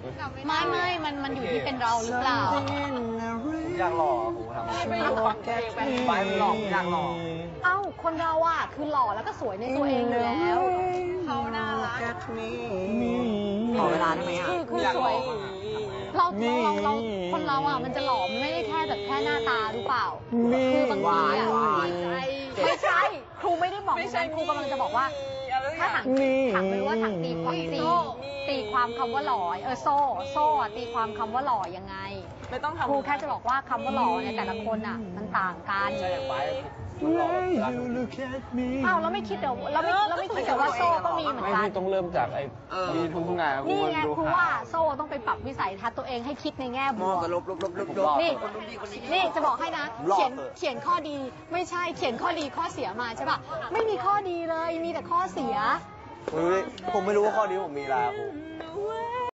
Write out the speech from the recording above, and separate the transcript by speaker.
Speaker 1: ไม่มันอยู่ที่เป็นเราหรือเปล่า
Speaker 2: อยากหล่อโหทำไม่ฟังเพลงแบบไปหล่ออยากหล่อ
Speaker 1: เอ้าคนเราอ่ะคือหล่อแล้วก็สวยในตัวเองอยู่แล้วเขาน่ารัก
Speaker 2: ขอเวลาได้ไหมอ่ะ
Speaker 1: คือสวยเราคนเราอ่ะมันจะหล่อมันไม่ได้แค่แบบแค่หน้าตาหรือเปล่าคือบางทีอ่ะไม่ใช่ครูไม่ได้บอกไม่ใช่ครูกำลังจะบอกว่าถ้าถามไม่รู้ว่าถามตีความคำว่าหล่อโซ่ตีความคำว่าหล่อยังไงไม่ต้องครูแค่จะบอกว่าคำว่าหล่อในแต่ละคนอ่ะมันต่างกัน
Speaker 2: ใช่อย่างไป
Speaker 1: อ้าวเราไม่คิดเดี๋ยวเราไม่คิดแต่ว่าโซ่ก็มีเหมือนกัน
Speaker 3: ไม่ต้องเริ่มจากไอ้มีทุกงาน
Speaker 1: นี่ไงครูว่าโซ่ต้องไปปรับวิสัยทัศน์ตัวเองให้คิดในแง่บวกนี่จะบอกให้นะเขียนข้อดีไม่ใช่เขียนข้อดีข้อเสียมาใช่ป่ะไม่มีข้อดีเลยมีแต่ข้อเสีย
Speaker 2: ผมไม่รู้ว่าข้อนี้ผมมีอะไรครู